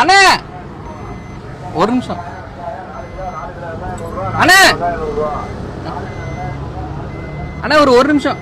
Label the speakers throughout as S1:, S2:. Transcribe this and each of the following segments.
S1: அண்ணா ஒரு நிமிஷம் அண்ணா அண்ணா ஒரு நிமிஷம்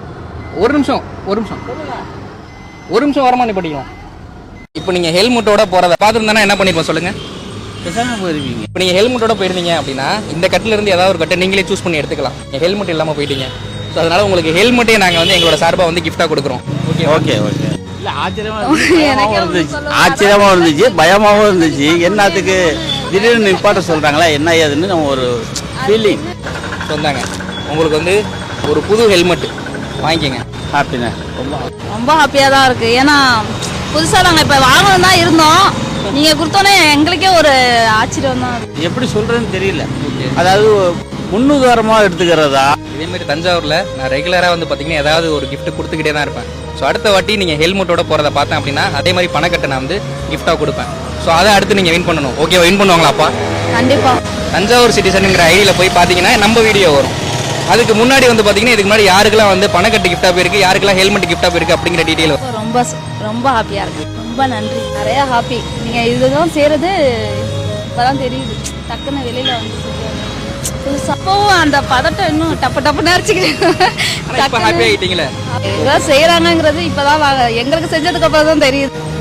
S1: வரமா நீ படிக்கலாம். இப்போ நீங்க ஹெல்மெட்டோட போறத பார்த்துருந்தா என்ன பண்ணிருப்போம் சொல்லுங்க.
S2: போயிருவீங்க.
S1: இப்போ நீங்க ஹெல்மெட்டோட போயிருந்தீங்க அப்படின்னா இந்த கட்டில இருந்து ஏதாவது ஒரு கட்டை நீங்களே சூஸ் பண்ணி எடுத்துக்கலாம். ஹெல்மெட் இல்லாம போயிட்டீங்க. ஸோ அதனால உங்களுக்கு ஹெல்மெட்டே நாங்கள் வந்து எங்களோட சார்பாக வந்து கிஃப்டா கொடுக்குறோம்.
S2: Okay okay okay. இல்லை ஆச்சரியமா இருந்துச்சு பயமாகவும் இருந்துச்சு. என்னத்துக்கு திடீர்னு நிப்பாட்ட சொல்றாங்களா என்ன ஏதுன்னு நம்ம ஒரு ஃபீலிங்
S1: சொன்னாங்க. உங்களுக்கு வந்து ஒரு புது ஹெல்மெட் வாங்கிக்கங்க.
S2: ஹாப்பிண்ணே.
S3: ரொம்ப ஹாப்பியாக தான் இருக்குது. ஏன்னா புதுசாக நாங்கள் இப்போ வாங்கணும் தான் இருந்தோம். நீங்கள் கொடுத்தோன்னே எங்களுக்கே ஒரு ஆச்சரியம் தான்.
S2: எப்படி சொல்கிறதுன்னு தெரியல. அதாவது முன்னுதாரணமாக எடுத்துக்கிறதா.
S1: இதேமாரி தஞ்சாவூரில் நான் ரெகுலராக வந்து பார்த்தீங்கன்னா ஏதாவது ஒரு கிஃப்ட் கொடுத்துக்கிட்டே தான் இருப்பேன். ஸோ அடுத்த வாட்டி நீங்கள் ஹெல்மெட்டோட போகிறத பார்த்தேன் அப்படின்னா அதே மாதிரி பணக்கட்டை நான் வந்து கிஃப்டாக கொடுப்பேன். ஸோ அதை அடுத்து நீங்கள் வின் பண்ணணும். ஓகேவா? வின் பண்ணுவாங்களாப்பா?
S3: கண்டிப்பாக.
S1: தஞ்சாவூர் சிட்டிசனுங்கிற ஐடியில் போய் பார்த்தீங்கன்னா நம்ம வீடியோ வரும். அதுக்கு முன்னாடி வந்து பார்த்தீங்கன்னா இதுக்கு முன்னாடி யாருக்கெல்லாம் வந்து பணக்கட்டு கிஃப்டாக போயிருக்கு, யாருக்கெல்லாம் ஹெல்மெட் கிஃப்டாக போயிருக்கு அப்படிங்கிற டீட்டெயில் வரும்.
S3: ரொம்ப ரொம்ப ஹாப்பியாக இருக்குது. ரொம்ப நன்றி. நிறையா ஹாப்பி. நீங்கள் இதுதான் செய்கிறது இப்போதான் தெரியுது. டக்குன்னு வெளியில் வந்து புதுசாகவும் அந்த பதட்டம் இன்னும் டப்பு நேரிச்சுக்கிறேன்.
S1: ஹாப்பி ஆகிட்டீங்களே.
S3: இதெல்லாம் செய்கிறாங்கங்கிறது இப்போதான் எங்களுக்கு செஞ்சதுக்கு அப்புறம் தான் தெரியுது.